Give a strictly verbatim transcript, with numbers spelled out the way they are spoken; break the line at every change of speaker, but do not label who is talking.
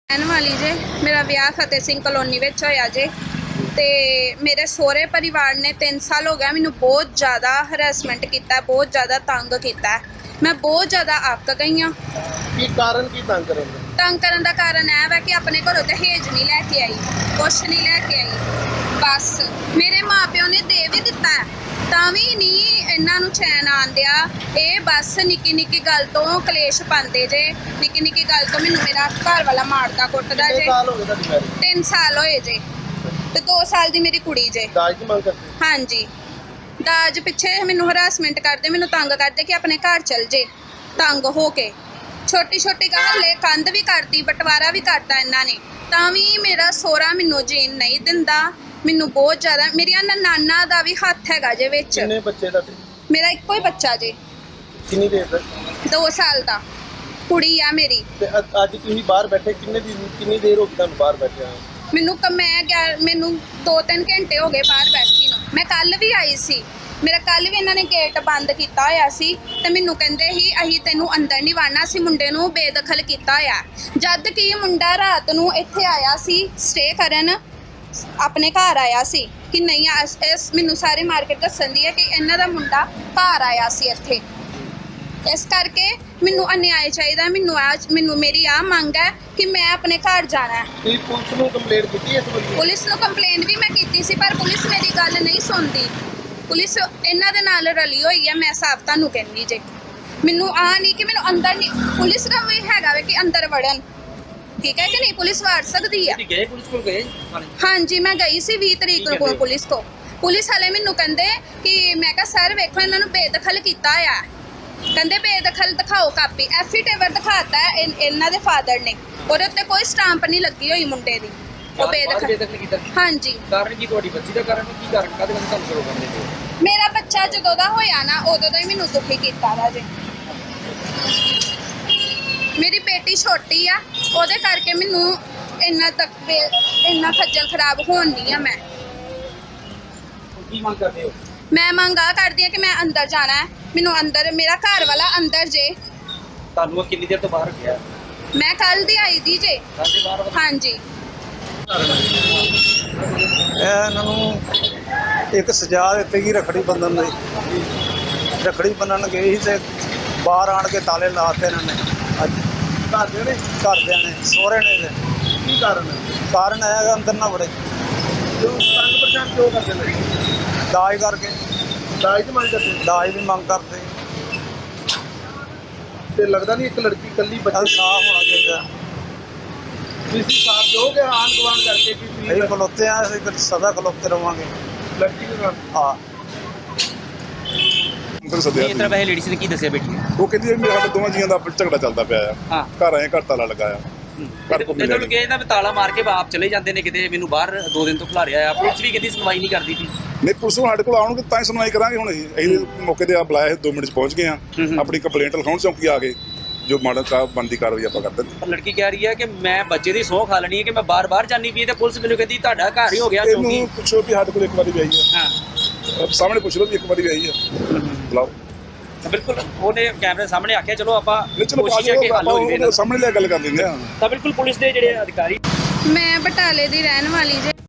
रहने वाली जे मेरा ब्याह फतेह सिंह कलोनी विच होया जे ते मेरे सोहरे परिवार ने तीन साल हो गया मैनू बहुत ज़्यादा हरैसमेंट किया, बहुत ज़्यादा तंग किया। मैं बहुत ज़्यादा अक गई हाँ।
की कारण की तंग करन दा?
तंग करन दा कारण यह है कि अपने घरों दहेज नहीं लैके आई, कुछ नहीं लैके आई। बस मेरे माँ प्यो ने दे भी दिता है ਤਾਂ ਵੀ ਨਹੀਂ ਇਹਨਾਂ ਨੂੰ ਚੈਨ ਆਂਦਿਆ। ਇਹ ਬਸ ਨਿੱਕੀ ਨਿੱਕੀ ਗੱਲ ਤੋਂ ਕਲੇਸ਼ ਪਾਉਂਦੇ ਜੇ। ਨਿੱਕੀ ਨਿੱਕੀ ਗੱਲ ਤੋਂ ਮੈਨੂੰ ਮੇਰਾ ਘਰ ਵਾਲਾ ਮਾਰਦਾ ਕੁੱਟਦਾ ਜੇ।
ਸਾਲ ਹੋ ਗਏ ਤੁਹਾਡੀ ਮੈਰਿਜ?
ਤਿੰਨ ਸਾਲ ਹੋਏ ਜੇ ਤੇ ਦੋ ਸਾਲ ਦੀ ਮੇਰੀ ਕੁੜੀ ਜੇ।
ਦਾਜ ਦੀ ਮੰਗ ਕਰਦੇ?
ਹਾਂਜੀ, ਦਾਜ ਪਿੱਛੇ ਮੈਨੂੰ ਹਰਾਸਮੈਂਟ ਕਰਦੇ, ਮੈਨੂੰ ਤੰਗ ਕਰਦੇ ਕਿ ਆਪਣੇ ਘਰ ਚਲ ਜੇ। ਤੰਗ ਹੋ ਕੇ ਛੋਟੀ ਛੋਟੀ ਗੱਲ ਲੈ ਕੰਧ ਵੀ ਕਰਤੀ, ਬਟਵਾਰਾ ਵੀ ਕਰਤਾ ਇਹਨਾਂ ਨੇ, ਤਾਂ ਵੀ ਮੇਰਾ ਸੋਹਰਾ ਮੈਨੂੰ ਜੀਣ ਨਹੀਂ ਦਿੰਦਾ। ਮੈਨੂੰ ਬਹੁਤ ਜ਼ਿਆਦਾ ਮੇਰੀਆਂ ਨਾਨਾ ਦਾ ਵੀ ਹੱਥ ਹੈਗਾ ਜੇ ਵਿੱਚ।
ਕਿੰਨੇ ਬੱਚੇ ਤੁਹਾਡੇ?
ਮੇਰਾ ਇੱਕੋ ਹੀ ਬੱਚਾ ਜੇ,
ਕਿੰਨੀ ਦੇਰ ਦਾ?
ਦੋ ਸਾਲ ਦਾ ਕੁੜੀ ਆ ਮੇਰੀ।
ਤੇ ਅ- ਅੱਜ ਤੁਸੀਂ ਬਾਹਰ ਬੈਠੇ ਕਿੰਨੇ ਦਿਨ ਕਿੰਨੀ ਦੇਰ ਹੋ ਗਈ ਤੁਹਾਨੂੰ ਬਾਹਰ ਬੈਠੇ ਆ?
ਮੈਨੂੰ ਕ ਮੈਂ ਗਿਆ ਮੈਨੂੰ ਦੋ ਤਿੰਨ ਘੰਟੇ ਹੋ ਗਏ ਬਾਹਰ ਬੈਠੀ ਨੂੰ। ਮੈਂ ਕੱਲ ਵੀ ਆਈ ਸੀ, ਮੇਰਾ ਕੱਲ ਵੀ ਇਹਨਾਂ ਨੇ ਗੇਟ ਬੰਦ ਕੀਤਾ ਹੋਇਆ ਸੀ ਤੇ ਮੈਨੂੰ ਕਹਿੰਦੇ ਸੀ ਅਸੀਂ ਤੈਨੂੰ ਅੰਦਰ ਨਹੀਂ ਵੜਨਾ, ਸੀ ਮੁੰਡੇ ਨੂੰ ਬੇਦਖਲ ਕੀਤਾ ਹੋਇਆ। ਜਦ ਕਿ ਮੁੰਡਾ ਰਾਤ ਨੂੰ ਇੱਥੇ ਆਇਆ ਸੀ ਸਟੇ ਕਰਨ, ਆਪਣੇ ਘਰ ਆਇਆ ਸੀ ਕਿ ਨਹੀਂ ਇਸ ਮੈਨੂੰ ਸਾਰੇ ਮਾਰਕੀਟ ਦੱਸਣ ਦੀ ਹੈ ਕਿ ਇਹਨਾਂ ਦਾ ਮੁੰਡਾ ਘਰ ਆਇਆ ਸੀ ਇੱਥੇ। ਇਸ ਕਰਕੇ ਮੈਨੂੰ ਅਨਿਆਏ ਚਾਹੀਦਾ। ਮੈਨੂੰ ਅੱਜ ਮੈਨੂੰ ਮੇਰੀ ਆ ਮੰਗ ਹੈ ਕਿ ਮੈਂ ਆਪਣੇ ਘਰ ਜਾਣਾ ਹੈ।
ਤੁਸੀਂ ਪੁਲਿਸ ਨੂੰ ਕੰਪਲੇਂਟ ਕੀਤੀ ਇਸ ਬਾਰੇ?
ਪੁਲਿਸ ਨੂੰ ਕੰਪਲੇਂਟ ਵੀ ਮੈਂ ਕੀਤੀ ਸੀ ਪਰ ਪੁਲਿਸ ਮੇਰੀ ਗੱਲ ਨਹੀਂ ਸੁਣਦੀ। ਪੁਲਿਸ ਇਹਨਾਂ ਦੇ ਨਾਲ ਰਲੀ ਹੋਈ ਹੈ। ਮੈਂ ਸਾਫ਼ ਤੁਹਾਨੂੰ ਕਹਿੰਦੀ ਜੇ, ਮੈਨੂੰ ਆ ਨਹੀਂ ਕਿ ਮੈਨੂੰ ਅੰਦਰ ਨਹੀਂ, ਪੁਲਿਸ ਦਾ ਵੀ ਹੈਗਾ ਵੇ ਕਿ ਅੰਦਰ ਵੜਨ, ਠੀਕ ਹੈ ਕਿ ਨਹੀਂ? ਪੁਲਿਸ ਵੜ ਸਕਦੀ ਹੈ।
ਗਏ ਪੁਲਿਸ ਕੋਲ ਗਏ?
ਹਾਂਜੀ ਮੈਂ ਗਈ ਸੀ ਵੀਹ ਤਰੀਕ ਨੂੰ ਪੁਲਿਸ ਕੋ। ਪੁਲਿਸ ਵਾਲੇ ਮੈਨੂੰ ਕਹਿੰਦੇ ਕਿ ਮੈਂ ਕਿਹਾ ਸਰ ਵੇਖੋ ਇਹਨਾਂ ਨੂੰ ਬੇਦਖਲ ਕੀਤਾ ਆ। ਕਹਿੰਦੇ ਬੇਦਖਲ ਦਿਖਾਓ ਕਾਪੀ। ਐਫੀਡੇਵਿਟ ਦਿਖਾਤਾ ਹੈ ਇਹਨਾਂ ਦੇ ਫਾਦਰ ਨੇ, ਉਹਦੇ ਉੱਤੇ ਕੋਈ ਸਟਾਂਪ ਨਹੀਂ ਲੱਗੀ ਹੋਈ ਮੁੰਡੇ ਦੀ। ਉਹ ਬੇਦਖਲ
ਬੇਦਖਲ ਕੀਤਾ?
ਹਾਂਜੀ।
ਕਾਰਨ ਕੀ? ਤੁਹਾਡੀ ਬੱਚੀ ਦਾ ਕਾਰਨ ਕੀ? ਕਾਰਨ ਕਾਹਦੇ ਨਾਲ ਤੁਹਾਨੂੰ ਸ਼ੁਰੂ ਕਰਦੇ ਹੋ?
ਮੇਰਾ ਬੱਚਾ ਜਦੋਂ ਦਾ ਹੋਇਆ ਨਾ ਉਦੋਂ ਦਾ ਹੀ ਮੈਨੂੰ ਦੁਖੀ ਕੀਤਾ ਰਾਜੇ। ਮੇਰੀ ਬੇਟੀ ਛੋਟੀ ਆ, ਉਹਦੇ ਕਰਕੇ ਮੈਨੂੰ ਇੰਨਾ ਤੱਕ ਇੰਨਾ ਖੱਜਲ ਖਰਾਬ ਹੋਣ ਨਹੀਂ ਆ। ਮੈਂ
ਕੀ ਮੰਗ ਕਰਦੇ ਹੋ?
ਮੈਂ ਮੰਗ ਆ ਕਰਦੀ ਆ ਕਿ ਮੈਂ ਅੰਦਰ ਜਾਣਾ ਹੈ। ਮੈਨੂੰ ਅੰਦਰ, ਮੇਰਾ ਘਰ ਵਾਲਾ ਅੰਦਰ ਜੇ।
ਤੁਹਾਨੂੰ ਕਿੰਨੀ ਦੇਰ ਤੋਂ ਬਾਹਰ ਗਿਆ?
ਮੈਂ ਕੱਲ ਦੀ ਆਈ ਦੀ ਜੇ।
ਸਾਡੇ ਬਾਹਰ?
ਹਾਂਜੀ।
ਇਹ ਇਹਨਾਂ ਨੂੰ ਇੱਕ ਸਜ਼ਾ ਦਿੱਤੀ ਗਈ ਰੱਖੜੀ ਬੰਨ੍ਹਣ ਦੀ। ਰੱਖੜੀ ਬੰਨ੍ਹਣ ਗਏ ਸੀ ਤੇ ਬਾਹਰ ਆਣ ਕੇ ਤਾਲੇ ਲਾਤੇ ਇਹਨਾਂ ਨੇ। ਅੱਜ
ਘਰਦਿਆਂ ਨੇ?
ਘਰਦਿਆਂ ਨੇ, ਸਹੁਰੇ ਨੇ। ਇਹਦੇ
ਕੀ ਕਾਰਨ ਹੈ?
ਕਾਰਨ ਹੈਗਾ ਅੰਦਰ ਨਾ ਵੜੇ,
ਕਿਉਂ ਤੰਗ ਪਰੇਸ਼ਾਨ ਕਿਉਂ ਕਰਦੇ ਨੇ?
ਦਾਜ ਕਰਕੇ।
ਦਾਜ ਦੀ ਮੰਗ ਕਰਦੇ?
ਦਾਜ ਦੀ ਮੰਗ ਕਰਦੇ।
ਤੇ ਲੱਗਦਾ ਨਹੀਂ ਇੱਕ ਲੜਕੀ ਇਕੱਲੀ
ਇਹ
ਬੱਚੀ
ਸਾਫ਼ ਹੋਣਾ ਚਾਹੀਦਾ।
ਤੁਸੀਂ ਸਾਥ ਦੋਗੇ ਆਂਢ ਗੁਆਂਢ ਕਰਕੇ ਕਿ
ਅਸੀਂ
ਤੁਸੀਂ
ਖਲੋਤੇ ਆ, ਅਸੀਂ ਫਿਰ ਸਦਾ ਖਲੋਤੇ ਰਵਾਂਗੇ।
ਲੜਕੀ ਦੇ ਨਾਲ?
ਹਾਂ।
ਫਿਰ ਸੱਦਿਆ
ਇਸ ਤਰ੍ਹਾਂ ਵੈਸੇ ਲੇਡੀਜ਼ ਨੇ ਕੀ ਦੱਸਿਆ ਬੇਟੀ ਨੇ?
ਉਹ ਕਹਿੰਦੀ ਵੀ ਸਾਡੇ ਦੋਵਾਂ ਜੀਆਂ ਦਾ ਆਪਸ 'ਚ ਝਗੜਾ ਚੱਲਦਾ ਪਿਆ ਆ।
ਹਾਂ।
ਘਰ ਆਏ ਘਰ ਤਾਲਾ ਲਗਾਇਆ। ਘਰ ਕੋ ਮਿਲਿਆ
ਇਹਨਾਂ ਨੂੰ ਕਿਹਾ ਇਹਦਾ ਵੀ ਤਾਲਾ ਮਾਰ ਕੇ ਆਪ ਚਲੇ ਜਾਂਦੇ ਨੇ ਕਿਤੇ, ਮੈਨੂੰ ਬਾਹਰ ਦੋ ਦਿਨ ਤੋਂ ਖਿਲਾਰਿਆ ਆ। ਪੁਲਿਸ ਵੀ ਕਹਿੰਦੀ ਸੁਣਵਾਈ ਨਹੀਂ ਕਰਦੀ ਸੀ।
ਨਹੀਂ, ਪੁਲਿਸ ਨੂੰ ਸਾਡੇ ਕੋਲ ਆਉਣਗੇ ਤਾਂ ਹੀ ਸੁਣਵਾਈ ਕਰਾਂਗੇ। ਹੁਣ ਅਸੀਂ ਅਸੀਂ ਮੌਕੇ ਤੇ ਆ ਬੁਲਾਇਆ ਦੋ ਮਿੰਟ 'ਚ ਪਹੁੰਚ ਗਏ ਆ। ਆਪਣੀ ਕੰਪਲੇਂਟ ਲਿਖਾਉਣ ਚੌਂਕੀ ਆ ਗਏ, ਜੋ ਮਾਡਲ ਕਾ ਬਣਦੀ ਕਾਰਵਾਈ ਆਪਾਂ ਕਰਦੇ ਨੇ।
ਪਰ ਲੜਕੀ ਕਹਿ ਰਹੀ ਹੈ ਕਿ ਮੈਂ ਬੱਚੇ ਦੀ ਸਹੁੰ ਖਾ ਲੈਣੀ ਹੈ ਕਿ ਮੈਂ ਬਾਰ-ਬਾਰ ਜਾਣੀ ਪਈ ਤੇ ਪੁਲਿਸ ਮੈਨੂੰ ਕਹਿੰਦੀ ਤੁਹਾਡਾ ਘਰ ਹੀ ਹੋ ਗਿਆ ਚੌਂਕੀ।
ਇਹਨੂੰ ਪੁੱਛੋ ਵੀ ਸਾਡੇ ਕੋਲ ਇੱਕ ਵਾਰੀ ਵੀ ਆਈ ਆ।
ਹਾਂ,
ਸਾਹਮਣੇ ਪੁੱਛ ਲਓ ਵੀ ਇੱਕ ਵਾਰੀ ਵੀ ਆਈ ਆ। ਬੁਲਾਓ।
ਤਾਂ ਬਿਲਕੁਲ ਉਹਨੇ ਕੈਮਰੇ ਸਾਹਮਣੇ ਆਖਿਆ ਚਲੋ ਆਪਾਂ
ਨਹੀਂ, ਚਲੋ
ਕੋਸ਼ਿਸ਼ ਹੈ ਕਿ ਹੱਲ ਹੋ ਜਾਵੇ।
ਸਾਹਮਣੇ ਲੈ ਗੱਲ ਕਰ ਦਿੰਦੇ ਆ।
ਤਾਂ ਬਿਲਕੁਲ ਪੁਲਿਸ ਦੇ ਜਿਹੜੇ ਅਧਿਕਾਰੀ
ਮੈਂ ਬਟਾਲੇ ਦੀ ਰਹਿਣ ਵਾਲੀ ਜੇ।